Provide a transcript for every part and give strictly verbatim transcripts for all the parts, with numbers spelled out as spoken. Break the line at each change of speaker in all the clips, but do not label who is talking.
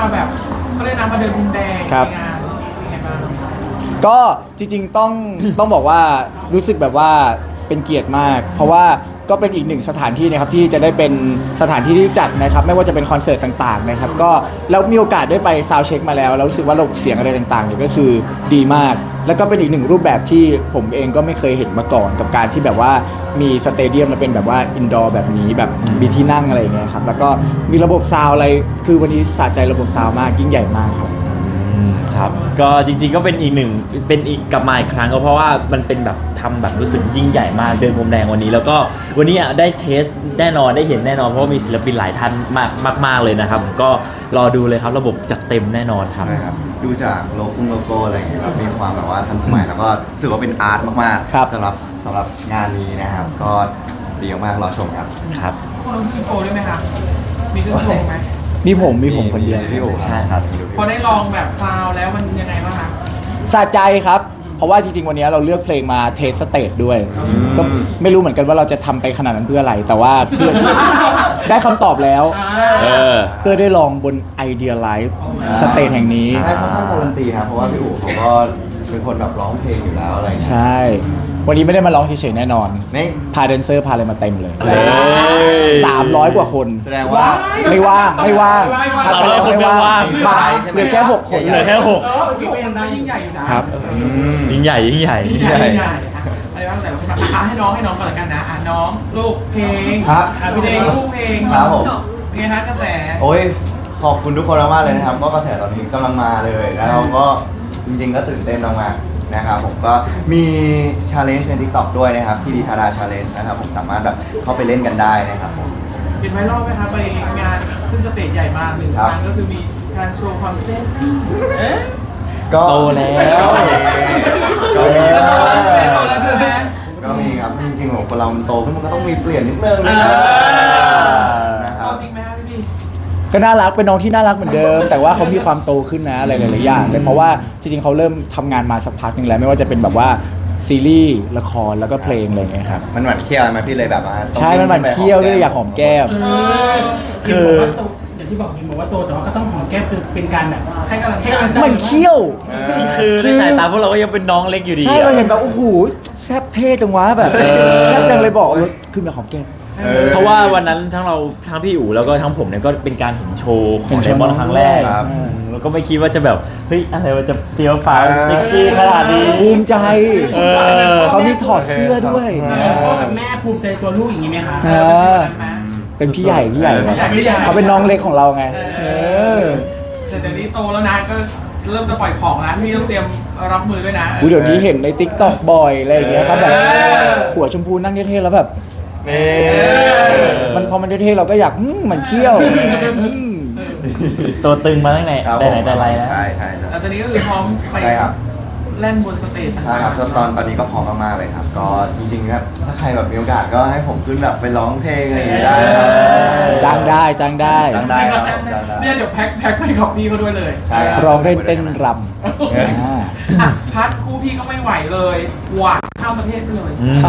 แบบเขาเรียกน้ำมาเดินพรมแดง
ครับ
ในงานเป็นไงบ้าง
ก็จริงๆต้อง ต้องบอกว่ารู้สึกแบบว่าเป็นเกียรติมาก เพราะว่าก็เป็นอีกหนึ่งสถานที่นะครับที่จะได้เป็นสถานที่ที่จัดนะครับไม่ว่าจะเป็นคอนเสิร์ตต่างๆนะครับก็แล้วมีโอกาสได้ไปซาวด์เช็คมาแล้วแล้วรู้สึกว่าระบบเสียงอะไรต่างๆเนี่ยก็คือดีมาก แล้วก็เป็นอีกหนึ่งรูปแบบที่ผมเองก็ไม่เคยเห็นมาก่อนกับการที่แบบว่ามีสเตเดียมมาเป็นแบบว่าอินดอร์แบบนี้แบบมีที่นั่งอะไรอย่างเงี้ยครับแล้วก็มีระบบซาวด์อะไรคือวันนี้สะใจระบบซาวด์มากยิ่งใหญ่มากครับ
ครับก็จริงๆก็เป็นอีกหนึ่งเป็นอีกกลับมาอีกครั้งก็เพราะว่ามันเป็นแบบทำแบบรู้สึกยิ่งใหญ่มากเดินพรมแดงวันนี้แล้วก็วันนี้ได้เทสแน่นอนได้เห็นแน่นอนเพราะว่ามีศิลปินหลายท่านมากมากๆเลยนะครับก็รอดูเลยครับระบบจัดเต็มแน่นอนครับ
ใช่ครับดูจากโลโก้โลโก้อะไรอย่างเงี้ยครับมีความแบบว่าทันสมัยแล้วก็รู้สึกว่าเป็นอาร์ตมาก
ครับ
ๆสำหรับสำหรับงานนี้นะครับก็ดีมากๆรอชมครับ
ครับ
พวกเราขึ้นโชว์ด้วยไหมคะมีขึ้นโชว์ไหม
มีผมมีผมคนเดียว
พี่โอ๋
ใช่ครับ
พอได้ลองแบบซาวด์แล้วมันยังไงบ้างคะ
สะใจครับ เพราะว่าจริงๆวันนี้เราเลือกเพลงมาเทสสเตจด้วย ก็ไม่รู้เหมือนกันว่าเราจะทำไปขนาดนั้นเพื่ออะไร แต่ว่าเพื่อ ได้คำตอบแล้ว
เออ
เพื่อได้ลองบน Idea Live สเตจแห่งนี้
ได้ค่อนข้างการันตีครับเพราะว่าพี่อู๋เขาก็เป็นคนแบบร้องเพลงอยู่แล้วอะไรอย่างเงี้ย
ใช่ วันนี้ไม่ได้มาร้องเฉยๆแน่นอน
ไม่
พาแดนเซอร์พาอะไรมาเต็มเลย
เฮ้ย
สามร้อยกว่าคน
แสดงว่า
ไม่ว่างไม่ว่าง
สามร้อยคนไม่ว่าง
มาเหลือแค่หกคน
เหลือแค่หก
เออโอเคก็ยังได้ยิ่งใหญ่อยู่นะครับ
ยิ่งใหญ่ยิ่งใหญ่
ยิ่งใหญ่ยิ่งใหญ่อะอะไรบ้างแต่ละคนอ่ะให้น้องให้น้องก่อนละกันนะอ่ะน้องลูกเพลง
ครับ
อ่ะพี่เดงลูกเพลง
ครับผม
เป็นไงคะกระแส
โอ้ยขอบคุณทุกคนมากๆเลยนะครับก็กระแสตอนนี้กำลังมาเลยแล้วก็จริงๆก็ตื่นเต้นมากๆนะครับผมก็มีชาเลนจ์ใน TikTok ด้วยนะครับที่ดีทาราชาเลนจ์นะครับผมสามารถแบบเข้าไปเล่นกันได้นะครับผม
เห็นไวรัลไหมคะไปงานขึ้นสเตจใหญ่มากหนึ่ง
ค
ครับ รั้งก็คือมีการโชว์ความเซ็กซี่เอ๊ะ
ก็
โตแล้ว
ก็มี
โต
บ้าง
แล้วโตแล้วใช่ไหม
ก็มีครับจริงๆของคนเรามันโตขึ้นมันก็ต้องมีเปลี่ยนนิดนึงนะครับนะค
โต
รับ
จริงไหมคะพี่พี่
ก็น่ารักเป็นน้องที่น่ารักเหมือนเดิม แต่ว่าเขามีความโตขึ้นนะอะไรหลายๆอย่างเลยเพราะว่าจริงๆเขาเริ่มทำงานมาสักพักหนึงแล้วไม่ว่าจะเป็นแบบว่าซีรีส์ละครแล้วก็เพลงอะไรอย่างเงี้ยครับ
มันหวานเคี้ยวไหมพี่เลยแบบว่าต้อง
ใช่มันหวานเคี้ยวด้วยอยากหอมแก้ม
คือ
อย่างที่บอกยิมบอกว่าโตแต่ว่าก็ต้องหอมแก้มคือเป็นการแบบ
ให้กำลังใจ
ให้กำลังใจ
มันเคี้ยว
เออ
คือในสายตาพวกเราก็ยังเป็นน้องเล็กอยู่ดี
ใช่เราเห็นแบบโอ้โหแซ่บเท่จังวะแบบ
เออ
แซ่บจังเลยบอกว่าขึ้นมาหอมแก้ม
เออ
เพราะว่าวันนั้นทั้งเราทั้งพี่อู๋แล้วก็ทั้งผมเนี่ยก็เป็นการเห็นโชว์ข
เห็
อง
น
ได
โชว์
มอนด์ครั้งแรก
ครับ
อืมแล้วก็ไม่คิดว่าจะแบบเฮ้ยอะไรมันจะเฟี้ยวฟ้าว
เออ
เซ็กซี่ขนาดนี้
ภูมิใจ
เออ
เขามีถอดเสื้อด้วย
พ่อกับแม่ภูมิใจตัวลูกอย่างนี้ไหมคะ
เออเป็นพี่ใหญ่พี่ใหญ่
พี่ใหญ่พี่ใหญ่
เขาเป็นน้องเล็กของเราไง
เอ
เอ
อ
อ
แต่เดี๋ยวนี้โตแล้วนะก็เริ่มจะปล่อยของแล้วพี่ต้องเตรียมรับมือด้วยนะ
อุ๊ยเดี๋ยวนี้เห็นในติ๊กต็อกบ่อยอะไรอย่างเงี้ยครับแบบ
เออ
หัวชมพูนั่งเท่ๆแล้วแบบ
นี่
มันพอมันเท่ๆเราก็อยากอืมมันเคี้ยวอืม
ตัวตึงมาตั้งแต่
ครับ
แต่ไหนแต่ไรแล้ว
ใช่ใช่ใช่
แล้วตอนนี้ก็คือพร้อมไป
ใช่ครับ
เล่นบนสเตจ
ใช่ครับก็ตอนตอนนี้ก็พร้อมมากๆเลยครับ ก็จริงๆครับถ้าใครแบบมีโอกาสก็ให้ผมขึ้นแบบไปร้องเพลงอะไรอย่างเงี้ยได้ครับ
จ้างได้จ้างได้
จ้างได้ครับผมจ้างได้
เนี่ยเดี๋ยวแพ็คแพ็คไปกับพี่เขาด้วยเลย
ใช่ครับ
ร้องเล่นเต้นรำ
เออ
อ่า
อ่ะพัดคู่พี่ก็ไม่ไหวเลยหวานข้ามประเทศไปเลย
อืม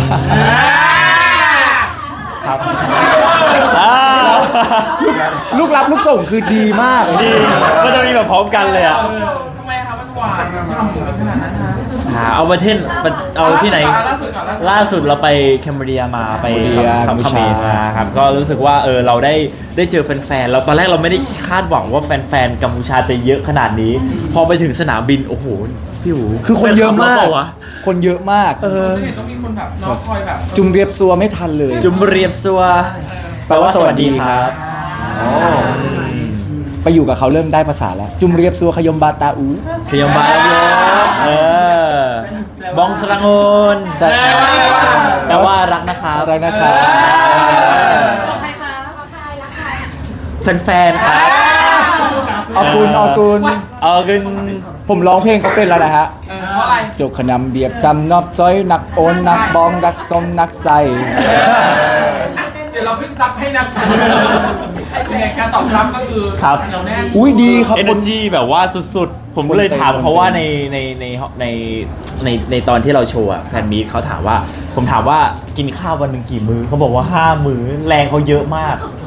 ครับ
ลูกรับลูกส่งคือดีมาก
ดีก็จะมีแบบพร้อมกันเลยอ่ะ
เออทำไมคะมันหวานฉ่ำกันขนาดนั้นฮะ
หาเอาประเทศเอาที่ไหน
ล่าสุดก่อน
ล่าสุดเราไปแคมเบเรียมาไป
แคมเบรีย
ทำ
กัมพู
คา
ชา
เมนมาครับก็รู้สึกว่าเออเราได้ได้เจอแฟนๆเราตอนแรกเราไม่ได้คาดหวังว่าแฟนๆกัมพูชาจะเยอะขนาดนี้ พอไปถึงสนามบินโอ้โหพี่หู
คือคนเยอะมาก
แฟนคลับเรเปล่วะ
คนเยอะมาก
เออเห็นต้องมีคนแบบน้องคอยแบบ
จุมเรียบซัวไม่ทันเลย
จุมเรียบซัว
แปลว่าสวัสดีครับ
โอ้
ไปอยู่กับเขาเริ่มได้ภาษาแล้ว จุมเรียบซัวขยมบาตาอู
ขยมบาลโยเออบองสรังโอน
แปลว่า
แปลว่ารักนะครับ
อะไรนะครับ
ใครคะใครรักใคร
แฟนๆครับ
ออกุลออกุล
เอาขึ้น
ผมร้องเพลงเขาเป็นแล้วนะฮะ
เออเพราะอะไร
จกขนำเบียบจำนอบจ้อยนักโอนนักบองนักสมนักใส
เดี๋ยวเราขึ้นซับให้นะเป็นไงการตอบรับก็คือ
ครับ
เหนียวแน่น
อุ้ยดีครับ
เอ
ค
เน
น
อร์จีแบบว่าสุดๆ ผมก็เลย
คนเต็ม
ถามเขาว่า
คนเต็
ใน
ม
ในในในในในตอนที่เราโชว์อะแฟนมีตเขาถามว่า ผมถามว่ากินข้าววันหนึ่งกี่มื้อเขาบอกว่าห้ามื้อแรงเขาเยอะมาก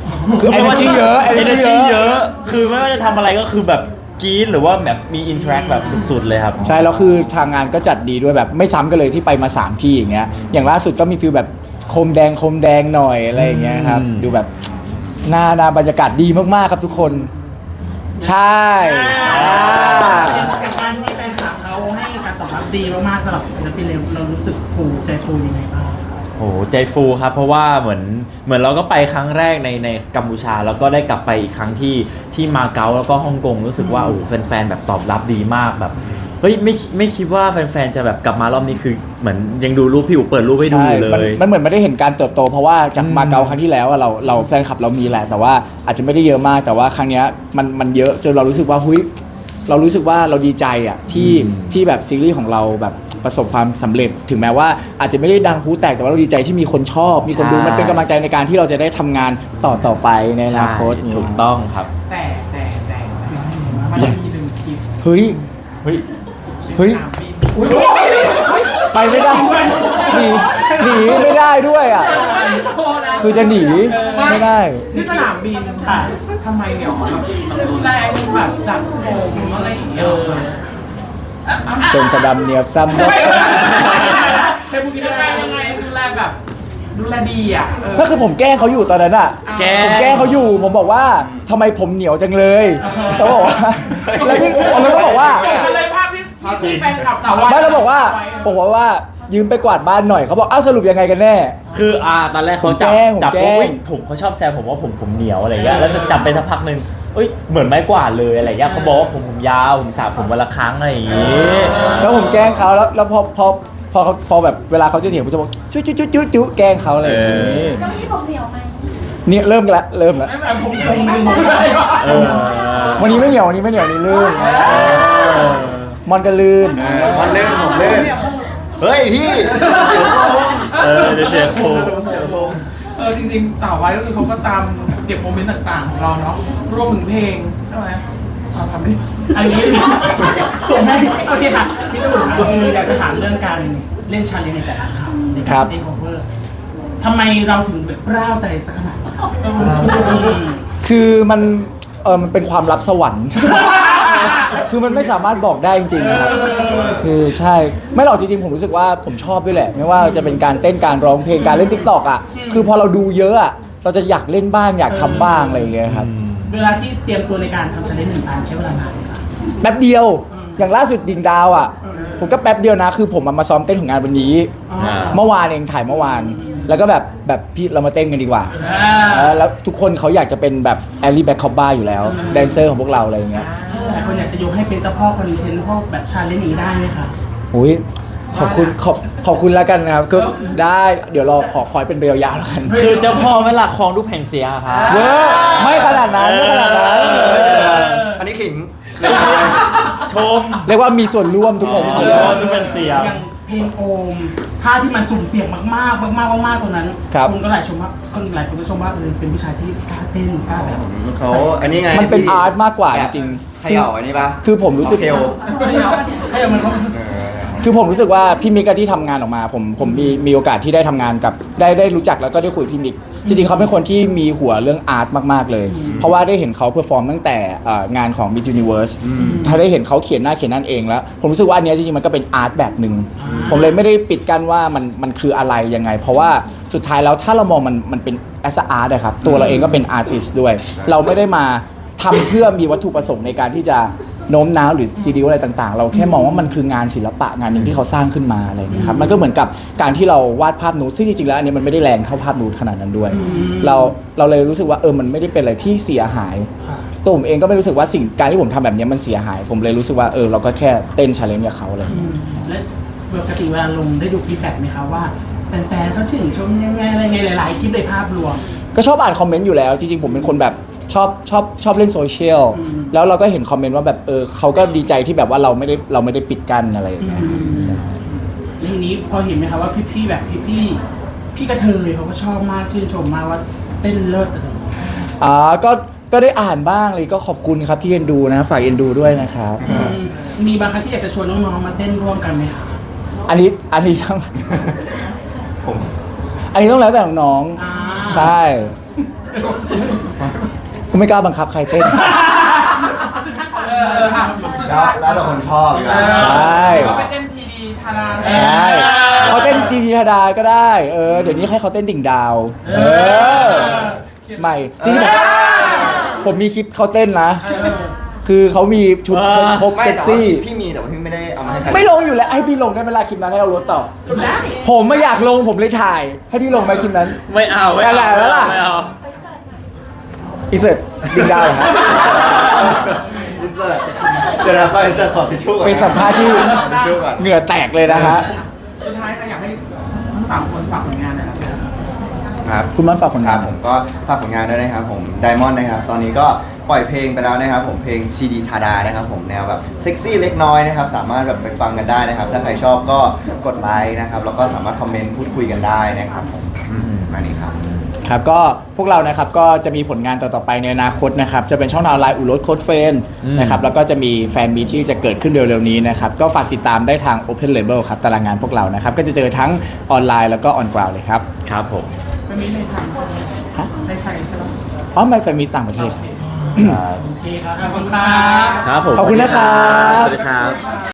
คือ energy เยอะ
เอเน
energy
จี
เย
เย
อะ
อะ คือไม่ว่าจะทำอะไรก็คือแบบกรี๊ดหรือว่าแบบมีอินเทอร์แอคแบบสุดๆเลยครับ
ใช่แล้วคือทางงานก็จัดดีด้วยแบบไม่ซ้ำกันเลยที่ไปมาสามที่อย่างเงี้ยอย่างล่าสุดก็มีฟิลแบบโคมแดงโคมแดงหน่อยอะไรอย่างเงี้ยครับ
อืม
ดูแบบหน้าหน้าบรรยากาศดีมากๆครับทุกคน ใช่อ่า
เป็นการที่แฟนคลับเขาให้การตอบรับดีมากๆสำหรับศิลปินเราเรารู้สึกฟูใจฟูยังไงบ้าง
โอ้โหใจฟูครับเพราะว่าเหมือนเหมือนเราก็ไปครั้งแรกในในกัมพูชาแล้วก็ได้กลับไปอีกครั้งที่ที่มาเก๊าแล้วก็ฮ่องกงรู้สึกว่าโอ้โหแฟนๆแบบตอบรับดีมากแบบเฮ้ยไม่ไม่คิดว่าแฟนๆจะแบบกลับมารอบนี้คือเหมือนยังดูรูปพี่อู๋เปิดรูปให้ดูอยู่เล
มัน
ย
มันเหมือนไม่ได้เห็นการเติบโต เพราะว่าจากมาเก๊าครั้งที่แล้วอะเราเราแฟนคลับเรามีแหละ แต่ว่าอาจจะไม่ได้เยอะมากแต่ว่าครั้งเนี้ยมันมันเยอะจนเรารู้สึกว่าหุ้ยเรารู้สึกว่าเราดีใจอ่ะที่
อืม
ที่แบบซีรีส์ของเราแบบประสบความสำเร็จ ถึงแม้ว่าอาจจะไม่ได้ดังพลุแตกแต่ว่าเราดีใจที่มีคนชอบ มีคนดูมันเป็นกำลังใจในการที่เราจะได้ทำงานต่อต่อไปในอนาคต
ใช่ถูกต้องครับ
แต่แต่แต่มันมีหนึ่งคลิป
เฮ้ย
เฮ้ย
เฮ้ย
สนามบินอุ๊ย
ไปไม่ได้หนีหนีไม่ได้ด้วยอ่ะ
โทษนะ
คือจะหนีไม่ได้
ที่สนามบินค่ะทำไมเนี่ยเขาแบบรุนแรงแบบจับผมอะไรอย่างเงี้ย
จนจะดำเนียบซ้ำ
ไม่
เนาะ
ใช่พวกนี้ยังไงยังไงดูแลแบบดูแลดีอ่ะเออ
นั่นคือผมแกล้งเขาอยู่ตอนนั้นอ่ะ
แกล้ง
ผมแกล้งเขาอยู่ ผมบอกว่าทำไมผมเหนียวจังเลยเขาบอกว่าแล้วพี่แล้วก็บอกว่า
เกิดอะไรภาพที่ที่แฟนคลับสาววาย
ไม่แล้วบอกว่าผมบอกว่ายืมไปกวาดบ้านหน่อยเขาบอกอ้าวสรุปยังไงกันแน่
คืออ่าตอนแรกเขาจับ
ผมแกล้งผม
จับ
แกล้
ปุ๊บ
ง
อุ๊ยผมเขาชอบแซวผมว่าผมผมเหนียวอะไรเงี้ยแล้วจับไปสักพักหนึ่งเอ้ยเหมือนไม้กวาดเลยอะไรเงี้ยเขาบอกว่าผมผมยาวผมสระผมวันละครั้งอะไรอย่างงี้
แล้วผมแกล้งเขาแล้วแล้วพอพอพอเขาพอแบบเวลาเขาจะเถียงผมจะบอกจุ๊จุ๊จุ๊จุ๊จุ๊แกล้งเขาอะไรอย่างนี้
แล้วที่ผมเหนียวไหม
เนี่ยเริ่มกันละเริ่มละ
ไม่แบบผมผมไม่ผมไม่
เออ
วันนี้ไม่เหนียววันนี้ไม่เหนียววันนี้ลื่นมอนก็ลื่น
เออมันลื่นผมลื่นเฮ้ยพี่เดี๋ยวโกง
เออเดี๋ยวเสียโคง
เดี๋ยวโกง
เออจริงๆสาววายก็คือเขาก็ตามเก็บโมเมนต์ต่างๆของเราเนาะรวมถึงเพลงใช่ไหมเอาทำดิ
อันนี้ส่งให้โอเคค่ะพี่ตู่ครับคืออยากจะถามเรื่องการเล่นชาเลนจ์ในแต่ละคำในการเต้น cover ทำไมเราถึงแบบร่าวใจสักขนาดนั้นอืม
คือมันเออมันเป็นความลับสวรรค์ คือมันไม่สามารถบอกได้จริงๆนะครับคือใช่ไม่หรอกจริงๆผมรู้สึกว่าผมชอบด้วยแหละ ไม่ว่าจะเป็นการเต้นการร้องเพลงการเล่นติ๊กต็อกอ่ะคือพอเราดูเยอะอ่ะเราจะอยากเล่นบ้างอยากทำบ้างอะไรอย่างเงี้ยครับ
เวลาที่เตรียมตัวในการทำชาเลนจ์หนึ่งอันใช้เวลานานไหมครับ
แป๊บเดียว อย่างล่าสุดดิ่งดาวอ่ะ ผมก็แป๊บเดียวนะ คือผมมาซ้อมเต้นของงานวันนี้
อ่า
เมื่อวานเองถ่ายเมื่อวาน แล้วก็แบบแบบพี่เรามาเต้นกันดีกว่า
อ่า
เออแล้วทุกคนเขาอยากจะเป็นแบบแอลลี่แบ็คคอปบ้าอยู่แล้วแดนเซอร์ของพวกเราอะไรอย่างเงี้ย
หลายคนอยากจะยกให้เป็นเจ้าพ่อคอนเทนต์พวกแบบชาเลนจ์นี้ได้ไหมคะ
อุ้ยขอบคุณขอบขอบคุณแล้วกันนะครับก็ได้เดี๋ยวรอขอคอยเป็นเบลยาวแล้วกัน
คือเจ้าพ่อไม่หลักครองทุกแผ่นเสียงอะครับ
เว้ยไม่ขนาดนั้นไม่ขนาดนั้น
เฮ้ยเดี๋ยวก่อนอันนี้ขิง
ชม
เรียกว่ามีส่วนร่วมทุกคน
เอ
เสีย
อทุกแผ่นเสียง
อย่างเพลงโอมท่าที่มันสุ่มเสี่ยงมากๆมากๆมากๆตรงนั้น
ครับ
คนก็หลายชมว่าคนหลายคนก็ชมว่าเออเป็นผู้ชายที่กล้าเต้นกล้าแบบ
เขาอันนี้ไง
มันเป็น
พี่
อาร์ตมากกว่าจริง
เขย่าอันนี้ปะ
คือผมรู้สึก
เทล
ให้เอามันเขา
เออ
คือผมรู้สึกว่าพี่มิกอะที่ทำงานออกมาผมผมมีมีโอกาสที่ได้ทำงานกับได้ได้รู้จักแล้วก็ได้คุยพี่มิกจริงๆเขาเป็นคนที่มีหัวเรื่องอาร์ตมากๆเลย เพราะว่าได้เห็นเขาเพอร์ฟอร์มตั้งแต่เอ่องานของ Miss Universe ถ้าได้เห็นเขาเขียนหน้าเขียนนั่นเองแล้ว ผมรู้สึกว่าอันเนี้ยจริงๆมันก็เป็นอาร์ตแบบหนึ่งผมเลยไม่ได้ปิดกั้นว่ามันมันคืออะไรยังไง เพราะว่าสุดท้ายแล้วถ้าเรามองมันมันเป็นแอสอาร์ตนะครับตัวเราเองก็เป็นอาร์ติสต์ด้วย เราไม่ได้มาทำเพื่อมีวัตถุประสงค์ในการที่จะโน้มน้าวหรือซีดีอะไรต่างๆ เราแค่มองว่ามันคืองานศิลปะงานหนึ่งที่เขาสร้างขึ้นมาอะไรอย่างเงี้ยครับมันก็เหมือนกับการที่เราวาดภาพนูดซึ่งจริงๆแล้วอันนี้มันไม่ได้แรงเท่าภาพนูดขนาดนั้นด้วย เราเราเลยรู้สึกว่าเออมันไม่ได้เป็นอะไรที่เสียหายตัวผมเองก็ไม่รู้สึกว่าสิ่งการที่ผมทำแบบนี้มันเสียหาย ผมเลยรู้สึกว่าเออเราก็แค่เต้นชาเลนจ์กับเขาอะไรอย่างเงี้ย
และปกติเวลาลงได้ดูฟีดแบ็กไหมคะว่าแฟนๆเขาชื่นชมยังไงอะไรไงหลายๆคลิปในภาพรวม
ก็ชอบอ่านคอมเมนต์อยู่แล้วจริงๆผมเป็นคนแบบชอบชอบชอบเล่นโซเชียล
อืม
แล้วเราก็เห็นคอมเมนต์ว่าแบบเออเขาก็ดีใจที่แบบว่าเราไม่ได้เราไม่ได้ปิดกั้นอะไรอย่างเงี้ย
ทีนี้พอเห็นไหมคะว่าพี่ๆแบบพี่ๆพี่กระเทยเขาก็ชอบมากชื่นชมมากว่าเต้นเลิศอะไรอย่างเงี้ย
อ่าก็ก็ได้อ่านบ้างเลยก็ขอบคุณครับที่เอ็นดูนะฝากเอ็นดูด้วยนะครับ
อืมมีบางครั้งที่อยากจะชวนน้องๆมาเต้นร่วมกันไหมคะ
อันนี้อันนี้ต้อง
ผม
อันนี้ต้องแล้วแต่น้อง
อ่า
ๆใช่ก็ไม่กล้าบังคับใครเต้น
เออเอออ่ะ
แล้วแล้วแต่คนชอบนะ
ใช่
เขาไปเต้นทีดีทารา
ใช่เขาเต้นดีดีธาดาก็ได้ เออ เดี๋ยวนี้ให้เขาเต้นดิ่งดาว เออ ใหม่จริงๆผมผมมีคลิปเขาเต้นนะ คือเขามีชุด
อ่า
ชุดครบ
ไม่
เซ็ก
แต่ว่า
ซี่
พี่พี่มีแต่ว่าพี่ไม่ได้เอามาให้ใคร
ไม่ลงอยู่แล้ว ให้พี่ลงได้เวลาคลิปนั้นให้เอารถต่อ ผมไม่อยากลงผมเลยถ่าย ให้พี่ลงไหมคลิปนั้น
ไม่เอาไม่
อะไร
เอา
แล้วล่ะ
ไม่เอา
อินเสิร์ตดิ่งดาวเหรอฮะ
อินเสิร์ตเดี๋ยวนะไปอินเสิร์ตขอทิชชู่ก่อน
เป็นสัมภาษณ์ที่
ทิชชู่ก่อน
เหงื่อแตกเลยนะฮะ
สุดท้ายก็อยากให้ทั้งสามคนฝากผลงานหน่อยนะครับ
ครับ
คุณมันฝากผล
ค
งา
รั
น
บผมก็ฝากผลงานด้วยนะครับผมไดมอนด์นะครับตอนนี้ก็ปล่อยเพลงไปแล้วนะครับผมเพลงซีดีชาดานะครับผมแนวแบบเซ็กซี่เล็กน้อยนะครับสามารถแบบไปฟังกันได้นะครับ ถ้าใครชอบก็กดไลค์นะครับแล้วก็สามารถคอมเมนต์พูดคุยกันได้นะครับผมอืมมานี่ครับ
ครับก็พวกเรานะครับก็จะมีผลงานต่อๆไปในอนาคตนะครับจะเป็นช่องทางไลน์อุรสโค้ดเฟน
อืม
นะครับแล้วก็จะมีแฟนมีตที่จะเกิดขึ้นเร็วๆนี้นะครับก็ฝากติดตามได้ทาง Open Label ครับตารางงานพวกเรานะครับก็จะเจอทั้งออนไลน์แล้วก็ออนกราวเลยครับ
ครับผม
ไม่มีในไทย
ฮะ
ในไทยใช่ไหม
อ๋อไม่แฟนมีตต่างประเทศ
โอเคครับ
ขอบคุณครับ
ครับผม
ขอบคุณนะครับ
สวัสดีครับ